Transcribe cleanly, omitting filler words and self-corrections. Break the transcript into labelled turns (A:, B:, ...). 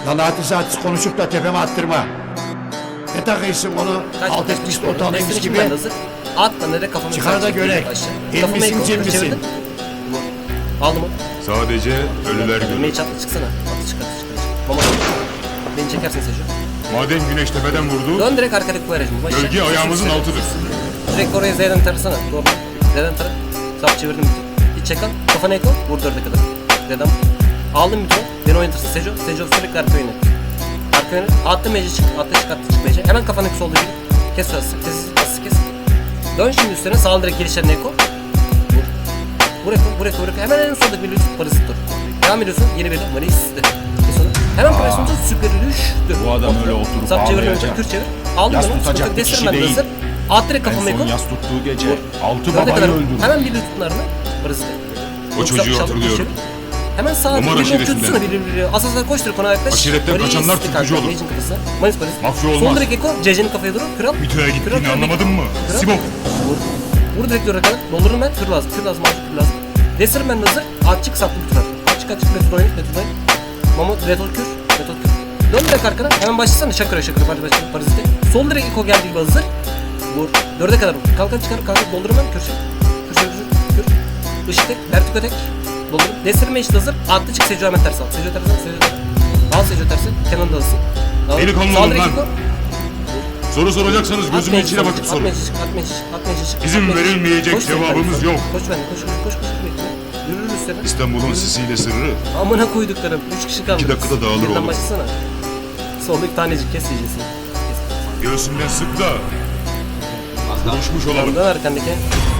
A: Lan artist konuşup da tepeme attırma. Ne takıyorsun onu? Alt etmiş de utanıymış gibi.
B: Atla nereye kafamı
A: Çıkar da görek. El misin cin misin?
B: Aldım mı?
C: Sadece ölüler görür.
B: Meyi çatla çıksana. Atla çık. Mama. Beni çekersin Sejo.
C: Madem güneş tepeden vurdu,
B: Dön direkt arkadaki koyaracım.
C: gölge ayağımızın altıdır.
B: Direkt oraya Z'den tarasana. Doğru. Z'den tara. Sap çevirdim bir. Hiç çek al. Kafana ek al. Vur 4'e kadar. Z'den. Aldım bir tur. Beni oynatırsın Sejo. Sejo sürekli arka oynat. Arka oynat. Attı mece çık. Attı çık mece. Hemen kafandaki solda bir. Kes şurası. Kes. Dön şimdi üstüne. Sağ direkt gelişlerine eko. Vur. Vur eko. Hemen en soldaki bir lütfen parası dur. Devam ediyorsun. Yeni bir de. Maris de. Hemen presonda süper düştü.
D: Bu adam öyle oturup
B: Sap çevirdim.
D: ağlayacak.
B: Kür çevir. Aldım
D: Yas
B: onu.
D: tutacak bir kişi
B: Destirmen
D: değil.
B: hazır. At direkt
D: En
B: kafama eko.
D: son yas tuttuğu gece 6
B: Dörde
D: babayı
B: kadar
D: öldürdü.
B: hemen bir tutunlarını parası da.
C: O çocuğu hatırlıyorum.
B: Hemen sağa
C: Umar
B: bir
C: aşiretinden.
B: tutsana bir. Asaslar koştur kona yaklaş.
C: Aşiretten kaçanlar tutucu olur.
B: Manis.
C: Mafya olmaz.
B: Sol direkt eko. CC'nin kafaya durur. Kral.
C: Mito'ya gittiğini anlamadın mı? Simon.
B: Vur direkt dörde kadar. Doldururum ben. Kür lazım. Kür lazım. Desirim ben de hazır. Atçık saplı bir tutar. Atçık. Metal oyun. Mamut. Retol kür. Dön direkt arkana. Hemen başlasana. Şakır. Parazite. Sol direkt eko geldiği gibi hazır. Vur. 4'e kadar vur. Kalkan çıkar. Doldururum ben. Kür. Işık tek. Vertiko tek. Doldururum. Desirme işte hazır. Attı çık. Seco hemen ters al. Seco ters. Al Seco tersi. Kenan da alsın.
C: Delikanlı olun lan. Soru soracaksanız gözümün içine bakıp sorun. İzin verilmeyecek cevabımız yok.
B: Koş ben. Koş. Yürür üstüne.
C: İstanbul'un sisiyle sırrı.
B: Amına koyduklarım. 3 kişi kaldı.
C: 2 dakikada dağılır
B: Yeniden
C: oğlum.
B: başlasana. Soldaki tanecik kes yiyeceksin.
C: Göğsümden sık da. Konuşmuş olalım.
B: Dön arkandaki.